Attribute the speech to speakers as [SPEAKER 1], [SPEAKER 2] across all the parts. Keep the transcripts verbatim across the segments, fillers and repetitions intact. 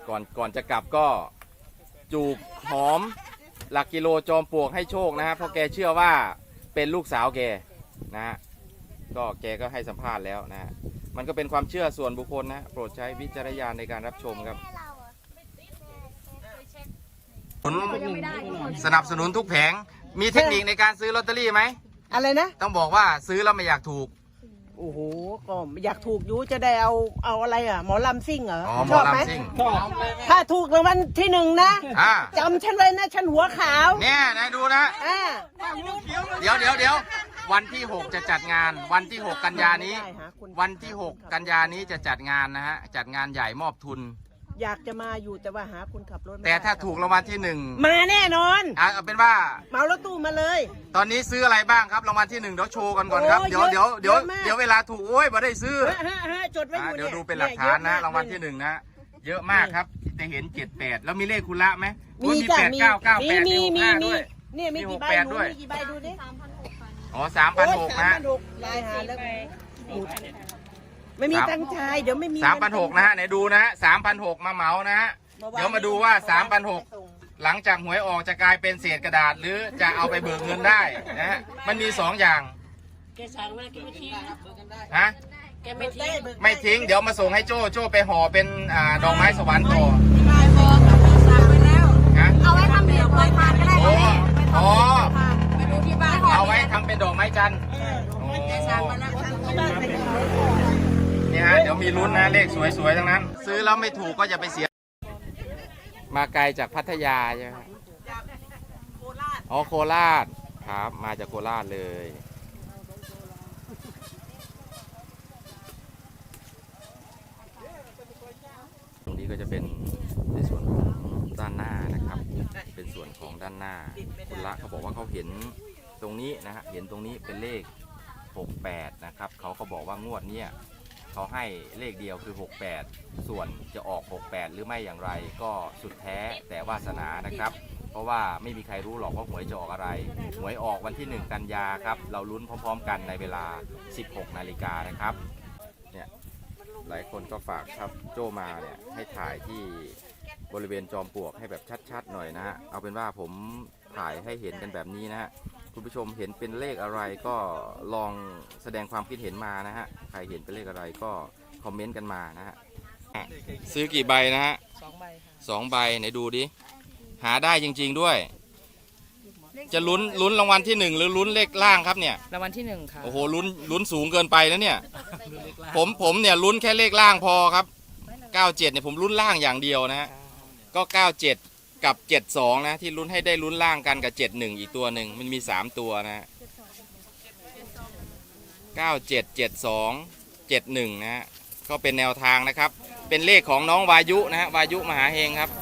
[SPEAKER 1] ก่อนก่อนจะกลับก็จูบหอมหลักกิโลจอมปลวกให้โชคนะฮะเพราะแกเชื่อว่าเป็นลูกสาวแกนะฮะก็แกก็ให้สัมภาษณ์แล้วนะฮะมันก็เป็นความเชื่อส่วนบุคคลนะโปรดใช้วิจารณญาณในการรับชมครับสนับสนุนทุกแผงมีเทคนิคในการซื้อลอตเตอรี่ไหม
[SPEAKER 2] อะไรนะ
[SPEAKER 1] ต้องบอกว่าซื้อแล้วไม่อยากถูก
[SPEAKER 2] โอ้โหก็อยากถูกอยู่จะได้เอาเอาอะไรอ่ะหมอลำซิ่งเหรอ
[SPEAKER 1] ชอบไหม
[SPEAKER 2] ชอบถ้าถูกรางวัลที่หนึ่งนะ
[SPEAKER 1] อ่า
[SPEAKER 2] จำฉันเลยนะฉันหัวขาว
[SPEAKER 1] เนี่ยนายดูนะ
[SPEAKER 2] อ่า
[SPEAKER 1] เดี๋ยวเดี๋ยวเดี๋ยววันที่หกจะจัดงานวันที่หกกันยานี้วันที่หกกันยานี้จะจัดงานนะฮะจัดงานใหญ่มอบทุน
[SPEAKER 2] อยากจะมาอยู่แต่ว่าหาคนขับรถ
[SPEAKER 1] แต่ถ้าถูกรางวัลที่หนึ่ง
[SPEAKER 2] มาแน่นอน
[SPEAKER 1] อ่ะเอาเป็นว่า
[SPEAKER 2] เมารถตู้มาเลย
[SPEAKER 1] ตอนนี้ซื้ออะไรบ้างครับรางวัลที่หนึ่งเดี๋ยวโชว์กันก่อนครับเดี๋ยวเดี๋ยวเดี๋ยวเดี๋ยวเวลาถูกโอ้ยมาได้ซื้อ
[SPEAKER 2] จดไว้อยู่
[SPEAKER 1] เดี๋ยวดูเป็นหลักฐานนะรางวัลที่หนึ่งนะเยอะมากครับจะเห็นเจ็ดแปดแล้วมีเลขคุณละไหม
[SPEAKER 2] มี
[SPEAKER 1] แปดเก้าเก้าแปด
[SPEAKER 2] มีมีมี
[SPEAKER 1] ด้วย
[SPEAKER 2] นี่มีกี่ใบดูมีกี่ใบดูดิ
[SPEAKER 1] อ๋อสามพันหกนะ
[SPEAKER 2] ลายหาแล้วไม่มีตังชายเดี๋ยวไม่มี
[SPEAKER 1] สามพันหกนะฮะไหนดูนะฮะสามพันหกมาเหมานะฮะเดี๋ยวมาดูว่าสามพันหกหลังจากหวยออกจะกลายเป็นเศษกระดาษหรือจะเอาไปเบิกเงินได้นะฮะมันมีสองอย่าง
[SPEAKER 3] แกสั่งมาแกไม่ทิ้ง
[SPEAKER 1] ฮะ
[SPEAKER 3] แกไม่ทิ้ง
[SPEAKER 1] ไม่ทิ้งเดี๋ยวมาส่งให้โจ้โจ้ไปห่อเป็นอ่าดอกไม้สวรรค์ต่อ
[SPEAKER 3] เอาไว้ทำเป็นดอกไม้พานก็ได้
[SPEAKER 1] อ๋อ
[SPEAKER 3] ไปดูที่บ้าน
[SPEAKER 1] เอาไว้ทำเป็นดอกไม้จันทร์นี่ฮะเดี๋ยวมีลุ้นนะเลขสวยๆทั้งนั้นซื้อแล้วไม่ถูกก็อย่าไปเสียมาไกลจากพัทยาใช่ไหมอ๋อโคราชครับมาจากโคราชเลยตรงนี้ก็จะเป็นในส่วนของด้านหน้านะครับเป็นส่วนของด้านหน้าคุณละเขาบอกว่าเขาเห็นตรงนี้นะฮะเห็นตรงนี้เป็นเลขหกแปดนะครับเขาก็บอกว่างวดเนี้ยเขาให้เลขเดียวคือหกแปดส่วนจะออกหกแปดหรือไม่อย่างไรก็สุดแท้แต่วาสนานะครับเพราะว่าไม่มีใครรู้หรอกว่าหวยจะออกอะไรหวยออกวันที่หนึ่งกันยาครับเราลุ้นพร้อมๆกันในเวลาสิบหกนาฬิกานะครับเนี่ยหลายคนก็ฝากครับโจมาเนี่ยให้ถ่ายที่บริเวณจอมปลวกให้แบบชัดๆหน่อยนะฮะเอาเป็นว่าผมถ่ายให้เห็นกันแบบนี้นะฮะคุณผู้ชมเห็นเป็นเลขอะไรก็ลองแสดงความคิดเห็นมานะฮะใครเห็นเป็นเลขอะไรก็คอมเมนต์กันมานะฮะซื้อกี่ใบนะฮะสองใบสองใบไหนดูดิหาได้จริงๆด้วยจะลุ้นลุ้นรางวัลที่หนึ่งหรือลุ้นเลขล่างครับเนี่ย
[SPEAKER 4] รางวัลที่หนึ่งค่ะ
[SPEAKER 1] โอ้โหลุ้นลุ้นสูงเกินไปนะเนี่ยผมผมเนี่ยลุ้นแค่เลขล่างพอครับเก้าเจ็ดเนี่ยผมลุ้นล่างอย่างเดียวนะฮะก็เก้าเจ็ดกับเจ็ดสองนะที่ลุ้นให้ได้ลุ้นล่างกันกับเจ็ดหนึ่งอีกตัวหนึ่งมันมีสามตัวนะเก้าเจ็ดเจ็ดสองเจ็ดหนึ่งนะฮะก็เป็นแนวทางนะครับเป็นเลขของน้องวายุนะฮะวายุมหาเฮงครับ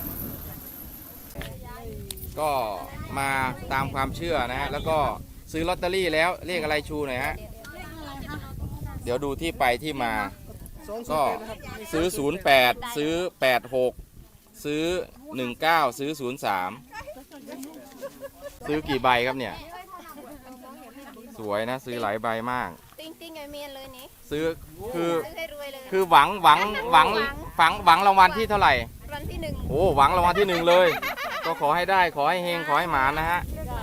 [SPEAKER 1] ก็มาตามความเชื่อนะฮะแล้วก็ซื้อลอตเตอรี่แล้วเลขอะไรชูหน่อยฮะเดี๋ยวดูที่ไปที่มาก็ซื้อศูนย์แปดซื้อแปดหกซื้อหนึ่งเก้าซื้อศูนย์สามซื้อกี่ใบครับเนี่ยสวยนะซื้อหลายใบมาก
[SPEAKER 5] ติ้งติ้งไอเมียนเลยนี่
[SPEAKER 1] ซื้อคือคือหวังหวังหวังฝังหวังรางวัลที่เท่าไหร่
[SPEAKER 5] รางวัลที่หนึ่ง
[SPEAKER 1] โอ้หวังรางวัลที่หนึ่งเลยก็ขอให้ได้ขอให้เฮงขอให้หมานะฮะ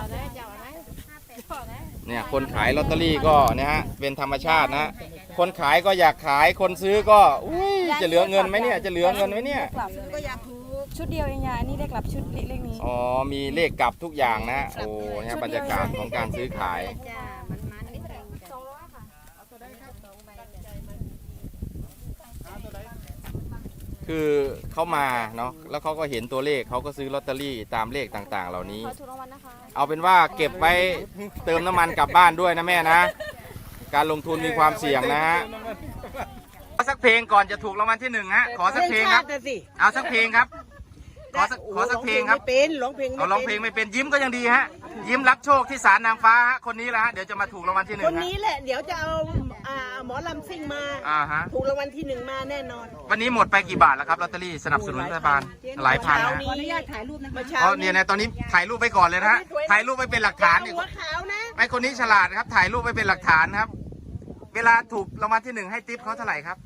[SPEAKER 1] เนี่ยคนขายลอตเตอรี่ก็เนี่ยฮะเป็นธรรมชาตินะคนขายก็อยากขายคนซื้อก็อุ้ยจะเหลือเงินไหมเนี่ยจะเหลือเงินไหมเนี่ย
[SPEAKER 4] ชุดเดียวเองยานี่ได้กลับชุดเลขนี้
[SPEAKER 1] อ๋อมีเลขกลับทุกอย่างนะโอ้เนี่ยบรรยากาศของการซื้อขายคือเขามาเนาะแล้วเขาก็เห็นตัวเลขเขาก็ซื้อลอตเตอรี่ตามเลขต่างๆเหล่านี้เอาเป็นว่าเก็บไว้เติมน้ำมันกลับบ้านด้วยนะแม่นะการลงทุนมีความเสี่ยงนะฮะขอสักเพลงก่อนจะถูกรางวัลที่หนึ่งฮะขอสักเพลงครับเอาสักเพลงครับขอสักขอสักเพลงครับ
[SPEAKER 2] เป็นร้องเพลง
[SPEAKER 1] เอาร้องเพลงไม่เป็นยิ้มก็ยังดีฮะยิ้มรับโชคที่ศาลนางฟ้าฮะคนนี้แหละฮะเดี๋ยวจะมาถูกรางวัลที่หนึ่ง
[SPEAKER 2] คนนี้แหละเดี๋ยวจะเอาหมอลำซิ่งมาถูกรางวัลที่หนึ่งมาแน่นอน
[SPEAKER 1] วันนี้หมดไปกี่บาทแล้วครับลอตเตอรี่สนับสนุนรัฐบาลหลายพันนะ
[SPEAKER 2] ขออนุญาตถ่ายรูปนะ
[SPEAKER 1] อ๋อเนี่ยนะตอนนี้ถ่ายรูปไปก่อนเลยนะฮะถ่ายรูปไปเป็นหลักฐานนี่ไอ้คนนี้ฉลาดครับถ่ายรูปไปเป็นหลักฐานครับเวลาถูกรางวัลที่หนึ่งให้ทิปเขาเท่าไหร่ครับ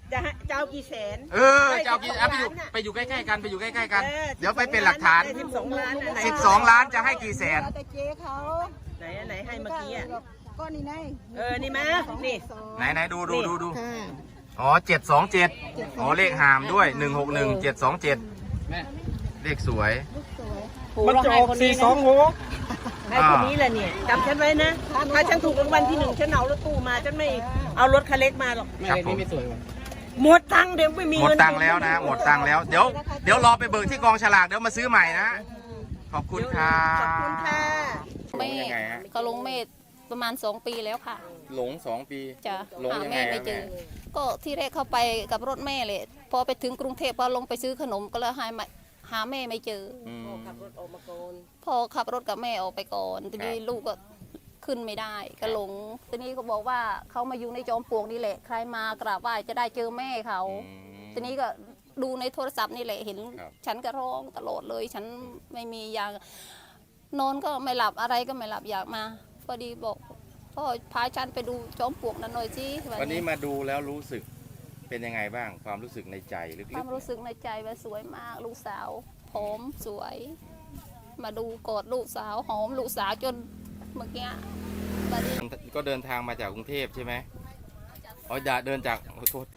[SPEAKER 2] จะให้จะเอากี่แสน
[SPEAKER 1] เออจะเอากี่อ่ะไปอยู่ไปอยู่ใกล้ๆกันไปอยู่ใกล้ๆกัน
[SPEAKER 2] ออ
[SPEAKER 1] เดี๋ยวไปเป็นหลักฐาน
[SPEAKER 2] สิบสองล้านไหน
[SPEAKER 1] สิบสองล้านจะให้กี่แสน
[SPEAKER 4] แต่เจ๊เขา
[SPEAKER 2] ไหนไหนให้เมื่อกี้อ่ะ
[SPEAKER 4] ก็นี่ไง
[SPEAKER 2] เออนี่มานี่
[SPEAKER 1] ไหนไหนดูดูดูดูอ๋อเจ็ดสองเจ็ดอ๋อเลขหามด้วยหนึ่งหกหนึ่งเจ็ดสองเจ็ดเลขสวย
[SPEAKER 2] มันจะออกสี่สองหกให้คนนี้แหละเนี่ยจำฉันไว้นะ ถ้าฉันถูกรางวัลที่หนึ่งฉันเอารถตู้มาฉันไม่เอารถคันเล็กมาหรอก
[SPEAKER 1] ครับผม
[SPEAKER 2] หมดตังค์เดี๋ยวไม่มี
[SPEAKER 1] หมด
[SPEAKER 2] เงิน
[SPEAKER 1] ตังค์แล้วนะหมดตังค์แล้วเดี๋ยวเดี๋ยวรอไปเบิกที่กองฉลากเดี๋ยวมาซื้อใหม่นะขอบคุณครั
[SPEAKER 2] ขอบคุณค่ะ
[SPEAKER 1] บ
[SPEAKER 3] แม่
[SPEAKER 1] ยังไงฮะ
[SPEAKER 3] ก็ลงเมษประมาณสองปีแล้วค่ะ
[SPEAKER 1] หลงสองปี
[SPEAKER 3] จะ
[SPEAKER 1] หลง
[SPEAKER 3] หา
[SPEAKER 1] ยังไง
[SPEAKER 3] แม่
[SPEAKER 1] อะ
[SPEAKER 3] ไม่เจอ
[SPEAKER 1] แม่
[SPEAKER 3] ก็ที่แรกเข้าไปกับรถแม่เลยพอไปถึงกรุงเทพพอลงไปซื้อขนมก็เลยหาไม่หาแม่ไม่เจอ
[SPEAKER 1] อืม
[SPEAKER 3] พอขับรถกับแม่ออกไปก่อนทีนี้
[SPEAKER 1] ครับ
[SPEAKER 3] ลูกก็ขึ้นไม่ได้ก็หลงทีนี้ก็บอกว่าเขามาอยู่ในจอมปลวกนี่แหละใครมากราบไหว้จะได้เจอแม่เขา
[SPEAKER 1] อืม
[SPEAKER 3] ทีนี้ก็ดูในโทรศัพท์นี่แหละเห็น
[SPEAKER 1] ครับ
[SPEAKER 3] ฉันก็ร้องตลอดเลย ฉันไม่มียานอนก็ไม่หลับอะไรก็ไม่หลับอยากมาพอดีบอกพ่อพาฉันไปดูจอมปลวกนั่นหน่อยสิ
[SPEAKER 1] วันนี้มาดูแล้วรู้สึกเป็นยังไงบ้างความรู้สึกในใจลึ
[SPEAKER 3] ควาก มรู้สึกในใจว่าสวยมาก ลูกสาวผอมสวย มาดูกอดลูกสาวหอมลูกสาวจนเมื่อกี้บัดนี้
[SPEAKER 1] ๆก็เดินทางมาจากกรุงเทพใช่ไหมอ๋อจะเดินจากขอโทษ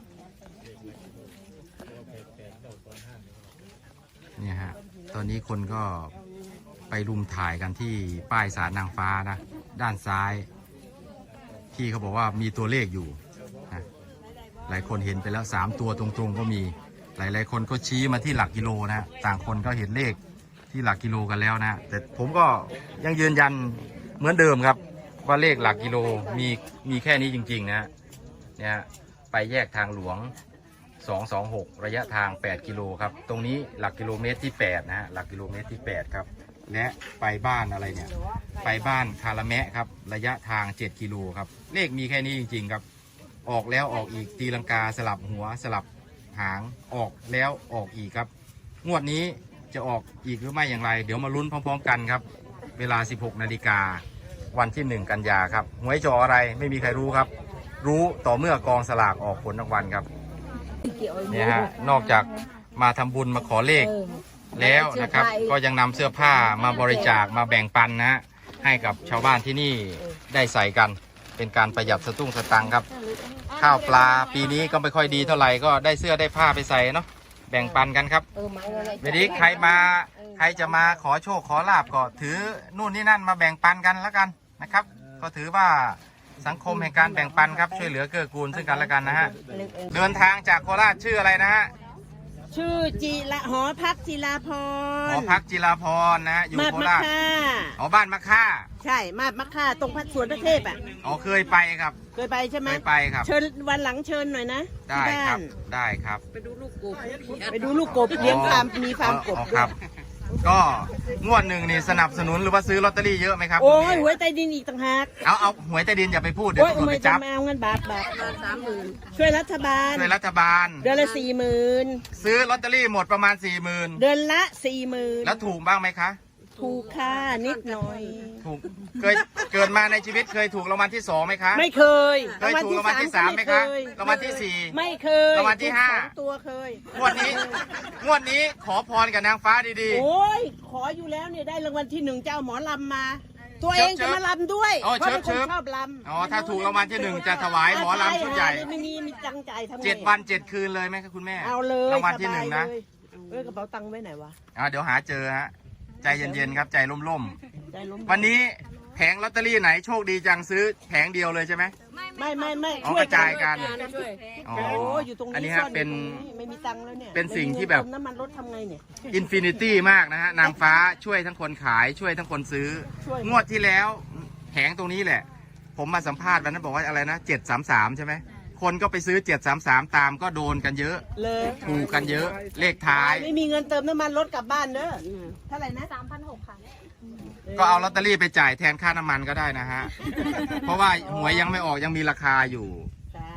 [SPEAKER 1] เนี่ยฮะตอนนี้คนก็ไปรุมถ่ายกันที่ป้ายศาลนางฟ้านะด้านซ้ายที่เขาบอกว่ามีตัวเลขอยู่นะหลายคนเห็นไปแล้วสามตัวตรงๆก็มีหลายๆคนก็ชี้มาที่หลักกิโลนะต่างคนก็เห็นเลขที่หลักกิโลกันแล้วนะแต่ผมก็ยังยืนยันเหมือนเดิมครับว่าเลขหลักกิโลมีมีแค่นี้จริงๆนะเนี่ยไปแยกทางหลวงสองสองหกระยะทางแปดกิโลครับตรงนี้หลักกิโลเมตรที่แปดนะฮะหลักกิโลเมตรที่แปดครับและไปบ้านอะไรเนี่ยไปบ้านคาราแมะครับระยะทางเจ็ดกิโลครับเลขมีแค่นี้จริงๆครับออกแล้วออกอีกตีลังกาสลับหัวสลับหางออกแล้วออกอีกครับงวดนี้จะออกอีกหรือไม่อย่างไรเดี๋ยวมาลุ้นพร้อมๆกันครับเวลาสิบหกนาฬิกาวันที่หนึ่งกันยาครับหวยจออะไรไม่มีใครรู้ครับรู้ต่อเมื่อกองสลากออกผลรางวัลครับเนี่ยฮะนอกจากมาทำบุญมาขอเลขแล้วนะครับก็ยังนำเสื้อผ้ามาบริจาคมาแบ่งปันนะฮะให้กับชาวบ้านที่นี่ได้ใส่กันเป็นการประหยัดสตุ้งสตังค์ครับข้าวปลาปีนี้ก็ไม่ค่อยดีเท่าไหร่ก็ได้เสื้อได้ผ้าไปใส่เนาะแบ่งปันกันครับเวลาใครมาใครจะมาขอโชคขอลาบก็ถือนู่นนี่นั่นมาแบ่งปันกันแล้วกันนะครับก็ถือว่าสังคมแห่งการแบ่งปันครับช่วยเหลือเกื้อกูลซึ่งกันและกันนะฮะเดินทางจากโคราชชื่ออะไรนะฮะ
[SPEAKER 2] ชื่อจีละหอพักจีลาพร
[SPEAKER 1] หอพักจิราพรนะฮะอยู่
[SPEAKER 2] มาด
[SPEAKER 1] โค
[SPEAKER 2] มะ
[SPEAKER 1] ราช
[SPEAKER 2] ค่า
[SPEAKER 1] อ๋อบ้านมะค่า
[SPEAKER 2] ใช่มาดมะค่าตรงพัดสวนพระเทพอ่ะ
[SPEAKER 1] อ๋อเคยไปครับ
[SPEAKER 2] เคยไปใช่ไหม
[SPEAKER 1] เคยไปครับ
[SPEAKER 2] เชิญวันหลังเชิญหน่อยนะ
[SPEAKER 1] ได้
[SPEAKER 2] ที่
[SPEAKER 1] ค
[SPEAKER 2] บ้า
[SPEAKER 1] รับ
[SPEAKER 2] น
[SPEAKER 1] ได้ครับ
[SPEAKER 2] ไปดูลูกกบเลี้ยงฟาร์มมีฟาร์มกบ
[SPEAKER 1] อ๋อ
[SPEAKER 2] ด้
[SPEAKER 1] คว รับ
[SPEAKER 2] ย
[SPEAKER 1] ก็งวดหนึ่งนี่สนับสนุนหรือว่าซื้อลอตเตอรี่เยอะไหมครับ
[SPEAKER 2] โอ้ย
[SPEAKER 1] คุณ
[SPEAKER 2] ห
[SPEAKER 1] พี่
[SPEAKER 2] วยใต้ดินอีกต่างหาก
[SPEAKER 1] เอาเอาหวยใต้ดินอย่าไปพูดเดี๋ยว
[SPEAKER 2] โอ้ย
[SPEAKER 1] ตำรวจ
[SPEAKER 2] ไม่
[SPEAKER 1] ไป
[SPEAKER 2] จะ
[SPEAKER 1] จับ
[SPEAKER 2] มาเอาเงินบาทบาทสามหมื่นช่วยรัฐบาล
[SPEAKER 1] ช่วยรัฐบาล
[SPEAKER 2] เดือนละสี่หมื่น
[SPEAKER 1] ซื้อลอตเตอรี่หมดประมาณสี่หมื่น
[SPEAKER 2] เดือนละสี่หมื่น
[SPEAKER 1] แล้วถูกบ้างไหมคะ
[SPEAKER 2] ถูกค่านิดหน่อย
[SPEAKER 1] ถูกเคยเกิดมาในชีวิตเคยถูกรางวัลที่สองไหมคะ
[SPEAKER 2] ไม่เคย
[SPEAKER 1] เคยถูกรางวัลที่สามไหมคะรางวัลที่สี่
[SPEAKER 2] ไม่เคย
[SPEAKER 1] รางวัลที่ห้า
[SPEAKER 2] ถูกสองตัวเคย
[SPEAKER 1] งวดนี้งวดนี้ขอพรกับนางฟ้าดี
[SPEAKER 2] โอ้ยขออยู่แล้วเนี่ยได้รางวัลที่หนึ่งเจ้าหมอลำมา ตัวเองจะมาลำด้วย
[SPEAKER 1] อ๋อ
[SPEAKER 2] เพราะเป็นค
[SPEAKER 1] เชิ
[SPEAKER 2] น
[SPEAKER 1] บ
[SPEAKER 2] ชอบลำ
[SPEAKER 1] ๆอ๋อถ้าถูกรางวัลที่หนึ่งจะถวายหมอลำชุดใหญ่
[SPEAKER 2] ไม่มีมีจังใจทำไง
[SPEAKER 1] เจ็ดวันเจ็ดคืนเลยไหมครับคุณแม่
[SPEAKER 2] เอาเลย
[SPEAKER 1] รางวัลที่หนึ่งนะ
[SPEAKER 2] สบายเลยเอ้ยกระเป๋าตังค์ไว้ไหนวะ
[SPEAKER 1] อ่าเดี๋ยวหาเจอฮะใจเย็นๆครับใจร่ม
[SPEAKER 2] ใจล้ม
[SPEAKER 1] ๆวันนี้แผงลอตเตอรี่ไหนโชคดีจังซื้อแผงเดียวเลยใช่ไหม
[SPEAKER 2] ไม่ไม่ไม่
[SPEAKER 1] อ๋อ
[SPEAKER 2] ช่ว
[SPEAKER 1] กระจายกัน
[SPEAKER 2] ช่วย
[SPEAKER 1] อ๋อ
[SPEAKER 2] โอ้ยอยู่ตรงนี้
[SPEAKER 1] อันนี้
[SPEAKER 2] ซ่
[SPEAKER 1] ฮะ
[SPEAKER 2] อนอยู่
[SPEAKER 1] เป็น
[SPEAKER 2] ตรงนี้ไม่มีตังค์แล้วเนี่ย
[SPEAKER 1] เป็นสิ่งที่แบบ
[SPEAKER 2] เติมน้ำมันรถทำไงเนี่ย
[SPEAKER 1] อินฟินิตี้มากนะฮะนางฟ้าช่วยทั้งคนขายช่วยทั้งคนซื้อ
[SPEAKER 2] ช่วย
[SPEAKER 1] งวดที่แล้วแผงตรงนี้แหละ ผมมาสัมภาษณ์วันนั้นบอกว่าอะไรนะเจ็ดสามสามใช่ไหมคนก็ไปซื้อเจ็ดสามสามตามก็โดนกันเยอะ
[SPEAKER 2] เลย
[SPEAKER 1] ถูกกันเยอะเลขท้าย
[SPEAKER 2] ไม่มีเงินเติมน้ำมันรถกลับบ้านเด้อเท่าไหร่นะ
[SPEAKER 5] สามพันหกค่ะ
[SPEAKER 1] ก็เอาลอตเตอรี่ไปจ่ายแทนค่าน้ำมันก็ได้นะฮะ เพราะว่าหวยยังไม่ออกยังมีราคาอยู่
[SPEAKER 2] สาม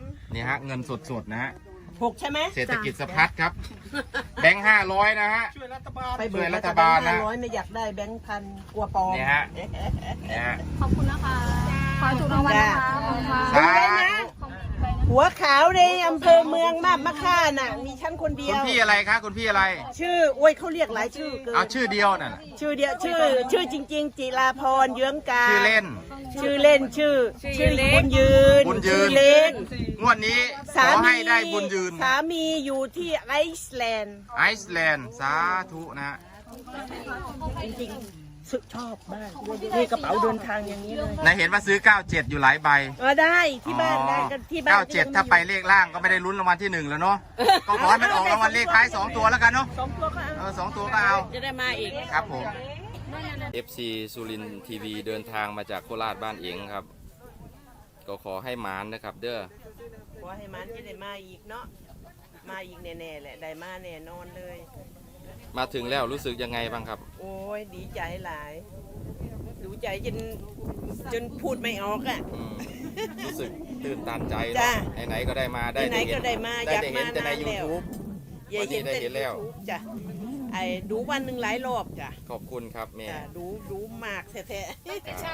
[SPEAKER 1] นี่ฮะเงินสดๆนะฮะ
[SPEAKER 2] หกใช่ไหม
[SPEAKER 1] เศรษฐกิจสะพัดครับแบงค์ห้าร้อยนะฮะ
[SPEAKER 2] ไปเบิก
[SPEAKER 1] ช่วยรั
[SPEAKER 2] รั
[SPEAKER 1] ฐ
[SPEAKER 2] ฐ
[SPEAKER 1] บา
[SPEAKER 2] บา
[SPEAKER 1] ล
[SPEAKER 2] ล
[SPEAKER 1] นะ
[SPEAKER 2] ห้าร้อยไม่อยากได้แบงค์พันกลัวปลอม
[SPEAKER 1] เนี่ยฮะ เนี่ยฮะ
[SPEAKER 5] ขอบคุณนะคะ ขอถูกรางวัลนะคะขอบคุณค่ะ
[SPEAKER 1] สาธุ
[SPEAKER 2] หัวขาวในอำเภอเมืองมาบมะค่าน่ะมีฉันคนเดี
[SPEAKER 1] คุ
[SPEAKER 2] ย
[SPEAKER 1] ณ
[SPEAKER 2] ว
[SPEAKER 1] พี่อะไรคะคุณพี่อะไร
[SPEAKER 2] ชื่อโอ้ยเขาเรียกหลายชื่อเกิน
[SPEAKER 1] เอาชื่อเดียวน่ะ
[SPEAKER 2] ชื่อเดียวชื่อ ชื่อจริง ๆ จิราพรเยื้องกา
[SPEAKER 1] ชื่อเล่น
[SPEAKER 2] ชื่อเล่นชื่อ ชื่อบุญยืน
[SPEAKER 1] บุญยืน
[SPEAKER 2] ชื่อเล็ก
[SPEAKER 1] งวดนี้ข
[SPEAKER 2] สา
[SPEAKER 1] อ
[SPEAKER 2] มี
[SPEAKER 1] ให้ได้บุญยืน
[SPEAKER 2] สามีอยู่ที่ไอซ์แลนด์
[SPEAKER 1] ไอซ์แลนด์สาธุนะฮะ
[SPEAKER 2] จริงๆสึกชอบมากนี่กระเป๋าเดินทางอย่างนี้เลย
[SPEAKER 1] นายเห็นว่าซื้อเก้าเจ็ดอยู่หลายใบ
[SPEAKER 2] เออได้ที่บ้านได้กันที่บ้าน
[SPEAKER 1] เก้าเจ็ดถ้าไปเลขล่างก็ไม่ได้ลุ้นรางวัลที่หนึ่งแล้วเนาะก็ขอให้มันออกรางวัลเลขท้ายสองตัวแล้วกันเนาะ
[SPEAKER 2] สองตัวก็
[SPEAKER 1] เอ
[SPEAKER 2] เอา
[SPEAKER 1] อสองตัวก็เอา
[SPEAKER 2] จะได้มาอีก
[SPEAKER 1] ครับผม เอฟ ซี สุรินทร์ทีวีเดินทางมาจากโคราชบ้านเองครับ ก็ขอให้หมานนะครับ เด้อ
[SPEAKER 2] ขอให้มันจะได้มาอีกเนาะมาอีกแน่ๆแหละได้มาแน่นอนเลย
[SPEAKER 1] มาถึงแล้วรู้สึกยังไงบ้างครับ
[SPEAKER 2] โอ้ยดีใจหลายดูใจจนจนพูดไม่ออกอ่ะ
[SPEAKER 1] อืมรู้สึกตื่นตันใจ
[SPEAKER 2] จ้ะ
[SPEAKER 1] เนาะไหนๆก็ได้มาได้
[SPEAKER 2] ไหนๆก็ได้มา
[SPEAKER 1] ได้
[SPEAKER 2] อยาก
[SPEAKER 1] ได้เห็นแต่ใน
[SPEAKER 2] มานานแล้ว
[SPEAKER 1] YouTube
[SPEAKER 2] ยายเห็น
[SPEAKER 1] วันนี้ได้เห็นแล้ว
[SPEAKER 2] YouTube จ้ะไอ้ดูวันหนึ่งหลายรอบจ้ะ
[SPEAKER 1] ขอบคุณครับแม่
[SPEAKER 2] จ้ะดูดูมากแท้
[SPEAKER 1] ครับ
[SPEAKER 2] ๆ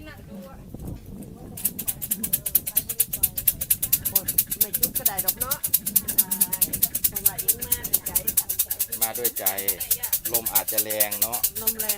[SPEAKER 2] โอ้ยไม่จุดก็ได้ดอกเนาะเพราะว่าเองมาด้วยใจ
[SPEAKER 1] มาด้วยใจ ลมอาจจะแรงเนาะ
[SPEAKER 2] ลมแรง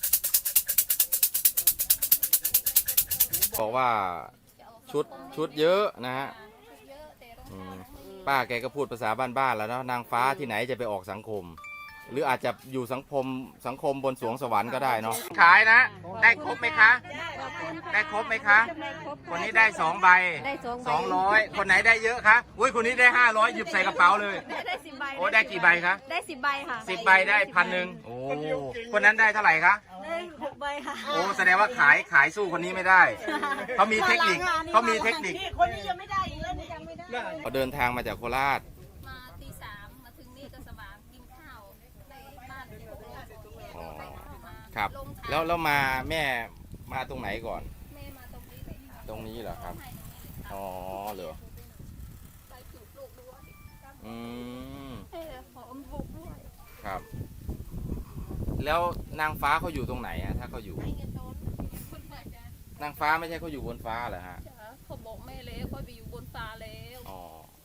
[SPEAKER 1] บอกว่าชุดชุดเยอะนะฮะอืมป้าแกก็พูดภาษาบ้านๆแล้วเนาะนางฟ้าที่ไหนจะไปออกสังคม หรืออาจจะอยู่สังคมสังคมบนสวงสวรรค์ก็ได้เนาะขายนะ ได้ครบไหมคะ ได้ครบไหมคะ คนนี้ได้สองใบ
[SPEAKER 5] ได้สองใบ
[SPEAKER 1] สองร้อยคนไหนได้เยอะคะอุ้ยคนนี้ได้ห้าร้อยหยิบใส่กระเป๋าเลย
[SPEAKER 5] ได้สิบใบ
[SPEAKER 1] โอ้ได้กี่ใบคะ
[SPEAKER 5] ได้สิบใบค่ะ
[SPEAKER 1] สิบใบได้พันหนึ่งโอ้คนนั้นได้เท่าไหร่คะ
[SPEAKER 5] ได้หกใบค่ะ
[SPEAKER 1] โอ้แสดงว่าขายขายสู้คนนี้ไม่ได้เขามีเทคนิคเขามีเทคนิค
[SPEAKER 2] นี่คนนี้ยังไม่ได้อีกแล้วนี่ยังไม่ได้
[SPEAKER 1] เขาเดินทางมาจากโคราช
[SPEAKER 3] มาตีสามมาถึงนี่ก็สว่างกินข้าวในบ้านที่โคราช
[SPEAKER 1] อ๋อ
[SPEAKER 3] ไปมา
[SPEAKER 1] ครับ
[SPEAKER 3] ลงทาง
[SPEAKER 1] แล้วแล้วมาแม่มาตรงไหนก่อน
[SPEAKER 3] แม่มาตรงนี้เลยค่ะ
[SPEAKER 1] ตรงนี้เหรอครับ อ๋อเหรอ
[SPEAKER 3] ไปจูบลูกด้วย
[SPEAKER 1] อืม
[SPEAKER 3] ให้หอมบุกด้วย
[SPEAKER 1] ครับ แล้วนางฟ้าเขาอยู่ตรงไหนอะถ้าเขาอยู่
[SPEAKER 3] ให้เงินโดนคนมาจ้ะ
[SPEAKER 1] นางฟ้าไม่ใช่เขาอยู่บนฟ้าเหรอฮะ
[SPEAKER 3] จ๋าเขาบอกแม่แล้วเขาไปอยู่บนฟ้าแล้ว
[SPEAKER 1] อ๋อ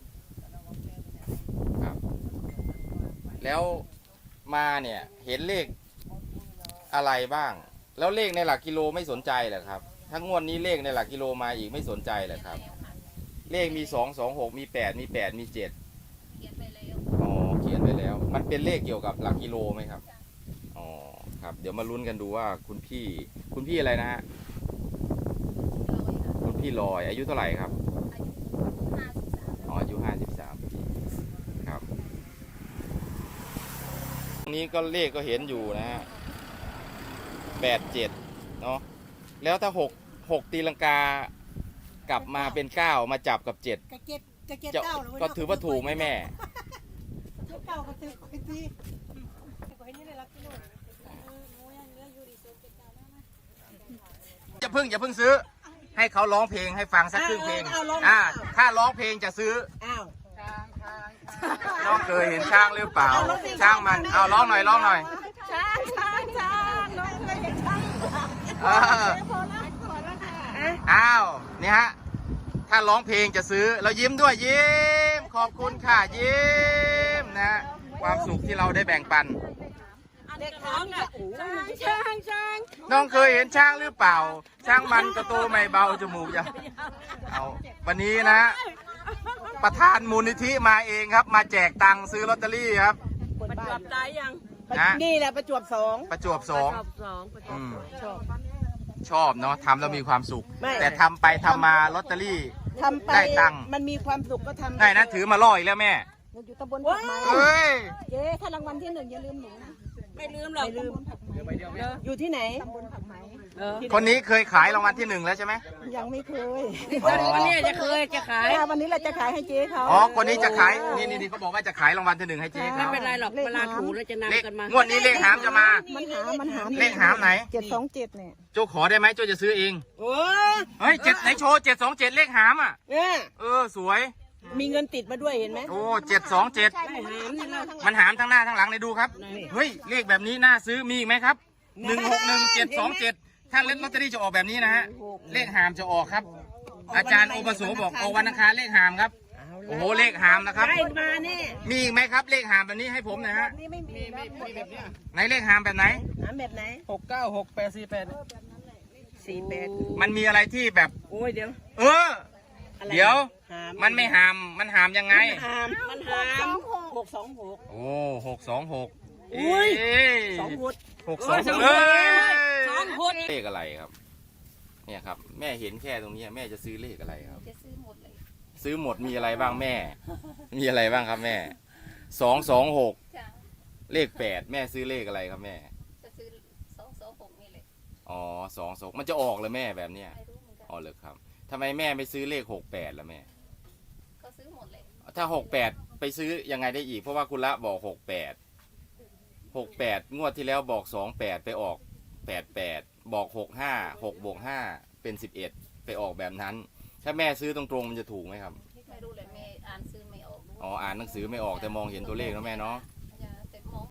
[SPEAKER 1] ครับ แล้วมาเนี่ยเห็นเลขอะไรบ้าง แล้วเลขในหลักกิโลไม่สนใจเหรอครับ ถ้างวดนี้เลขในหลักกิโลมาอีกไม่สนใจเหรอครับ เลขมีสองสองหกมีแปดมีแปดมีเจ็ด
[SPEAKER 3] เขียนไปแล้ว
[SPEAKER 1] อ๋อเขียนไปแล้ว มันเป็นเลขเกี่ยวกับหลักกิโลไหมครับ อ๋อครับ เดี๋ยวมาลุ้นกันดูว่าคุณพี่ คุณพี่อะไรนะฮะ คุณพี่ลอย อายุเท่าไหร่ครับ
[SPEAKER 3] อายุห้าสิบสาม
[SPEAKER 1] อ๋ออายุห้าสิบสามปีครับตรงนี้ก็เลขก็เห็นอยู่นะฮะแปดเจ็ดเนาะแล้วถ้าหกหกตีลังกากลับมาเป็นเก้ามาจับกับเจ็ด
[SPEAKER 6] กระเจ็ดกระเจ็ด
[SPEAKER 1] จะ
[SPEAKER 6] เก้าเลย
[SPEAKER 1] ก็ถือว่าถูกไหมแม่
[SPEAKER 6] เก้าก็ถือไปทีก็ให้นี่ได้รับกิโลโอ้ยเนื้อยูริโซเจ็ดเก้าได้ไหม
[SPEAKER 1] อย่าเพิ่งอย่าเพิ่งซื้อ ให้เขาร้องเพลงให้ฟังสักครึ่งเพลง
[SPEAKER 2] เอาเอาร้อง
[SPEAKER 1] อ่าถ้าร้องเพลงจะซื้อ
[SPEAKER 2] อ้าว
[SPEAKER 1] น้องเคยเห็นช้างหรือเปล่า ช้างมัน เอาร้องหน่อยร้องหน่อย
[SPEAKER 2] ช้างช้างช้างน้องเคยเห็นช้าง
[SPEAKER 1] เอออ้าวนี่ฮะ ถ้าร้องเพลงจะซื้อ เรายิ้มด้วยยิ้ม ขอบคุณค่ะยิ้มนะฮะความสุขที่เราได้แบ่งปัน
[SPEAKER 2] เด็กน้องอ่ะช้างช้าง
[SPEAKER 1] น้องเคยเห็นช้างหรือเปล่า ช้างมันก็โตไม่เบาจมูกยาวเอาวันนี้นะ ประธานมูลนิธิมาเองครับ มาแจกตังค์ซื้อลอตเตอรี่ครับ
[SPEAKER 2] ประจวบตายยัง
[SPEAKER 1] นะ
[SPEAKER 2] นี่แหละประจวบสอง
[SPEAKER 1] ประจวบสอง
[SPEAKER 2] ประจวบสองประจวบ
[SPEAKER 1] อืม
[SPEAKER 2] ชอบ
[SPEAKER 1] ชอบเนาะทำแล้วมีความสุข
[SPEAKER 2] ไม่
[SPEAKER 1] แต่ทำไปทำมาลอตเตอรี่
[SPEAKER 2] ทำไป
[SPEAKER 1] ได้ตังค์
[SPEAKER 2] มันมีความสุขก็ทำ
[SPEAKER 1] ได้นะถือมาล่ออีกแล้วแม่
[SPEAKER 6] เราอยู่ตำบลผักไม้
[SPEAKER 1] เฮ้ย
[SPEAKER 6] เจ๊ถ้ารางวัลที่หนึ่งอย่าลืมหนูนะ
[SPEAKER 2] ไม่ลืมหรอกไม่ลืมอยู่ที่ไหน
[SPEAKER 6] ตำบลผักไม้
[SPEAKER 1] คนนี้เคยขายรางวัลที่หนึ่งแล้วใช่ไหม
[SPEAKER 6] ยังไม่เคย
[SPEAKER 2] วันนี้จะเคยจะขาย
[SPEAKER 6] ค่ะวันนี้เราจะขายให้เจ๊เขา
[SPEAKER 1] อ๋อ คนนี้จะขาย นี่นี่นี่เขาบอกว่าจะขายรางวัลที่หนึ่งให้เจ๊เขา
[SPEAKER 2] ไม่เป็นไรหรอกเวลาถูแล้วจะ
[SPEAKER 1] เลข
[SPEAKER 2] นำกันมา
[SPEAKER 1] งวดนี้เลขหามจะมา
[SPEAKER 6] มันหามันหา
[SPEAKER 1] เลขหามไหน
[SPEAKER 6] เจ็ดสองเจ็ดเนี่ย
[SPEAKER 1] โจขอได้ไหมโจจะซื้อเอง
[SPEAKER 2] โอ้
[SPEAKER 1] เฮ้ยเจ็ดไหนโชว์เจ็ดสองเจ็ดเลขหามอ่ะ
[SPEAKER 2] เนี่ย
[SPEAKER 1] เออสวย
[SPEAKER 2] มีเงินติดมาด้วยเห็นไหม
[SPEAKER 1] โอ้เจ็ดสองเจ็ด
[SPEAKER 2] ได้หามนี่นะ
[SPEAKER 1] มันหามทั้งหน้าทั้งหลังเลยดูครับ เฮ้ยเลขแบบนี้น่าซื้อมีอีกไหมครับหนึ่งหกหนึ่งเจ็ดสองเจ็ดถ้าเล่นลอตเตอรี่จะออกแบบนี้นะฮะ เลขหามจะออกครับ อาจารย์โอปโสบอกออกวันอังคารเลขหามครับโอ้โหเลขหามนะครับ
[SPEAKER 2] ได้มาแน่
[SPEAKER 1] มีอีกไหมครับเลขหามแบบนี้ให้ผมหน่อยฮะ
[SPEAKER 2] นี่ไม่มีมีมีแบบนี้
[SPEAKER 1] ไหนเลขหามแบบไหน
[SPEAKER 2] หาแบบไหน
[SPEAKER 7] หกเก้าหกแปดสี่แปด
[SPEAKER 2] สี่แปด
[SPEAKER 1] มันมีอะไรที่แบบ
[SPEAKER 2] โอ้ยเดี๋ยว
[SPEAKER 1] เออ
[SPEAKER 2] อะไร
[SPEAKER 1] เดี๋ยว
[SPEAKER 2] หาม
[SPEAKER 1] มันไม่หามมันหามยังไง
[SPEAKER 2] หามมันหามหกสองหก
[SPEAKER 1] โอ้หกสองหก
[SPEAKER 2] อุ้ย
[SPEAKER 1] เอ้ย
[SPEAKER 2] สองหด
[SPEAKER 1] หกสอง
[SPEAKER 2] โอ้ยสองห
[SPEAKER 1] เอ้
[SPEAKER 2] ด
[SPEAKER 1] ย
[SPEAKER 2] สองหด
[SPEAKER 1] เลขอะไรครับ เนี่ยครับ แม่เห็นแค่ตรงนี้แม่จะซื้อเลขอะไรครับ
[SPEAKER 3] จะซื้อหมดเลย
[SPEAKER 1] ซื้อหมดมีอะไรบ้างแม่ มีอะไรบ้างครับแม่สองสองหก
[SPEAKER 3] จ้ะ
[SPEAKER 1] เลขแปดแม่ซื้อเลขอะไรครับแม่
[SPEAKER 3] จะซื้อสองสองหกนี่เลย
[SPEAKER 1] อ๋อสองสองมันจะออกเลยแม่แบบเนี้ย
[SPEAKER 3] ไม่รู้เหมือนกัน
[SPEAKER 1] อ๋อเลยครับทำไมแม่ไม่ซื้อเลขหกแปดล่ะแม่
[SPEAKER 3] ก็ซื้อหมดเลย
[SPEAKER 1] ถ้าหกแปดไปซื้อยังไงได้อีกเพราะว่าคุณละบอกหกแปดหกแปดงวดที่แล้วบอกสองแปดไปออกแปดแปดบอกหกห้าหกบวกห้าเป็นสิบเอ็ดไปออกแบบนั้น ถ้าแม่ซื้อตรงๆมันจะถูกไหมครับ
[SPEAKER 3] ไม่รู้เลยแม่อ่านซื้อไม่ออกรู้
[SPEAKER 1] อ๋ออ่านหนังสือไม่ออกแต่มองเห็นตัวเลขแล้วแม่เนาะ
[SPEAKER 3] จ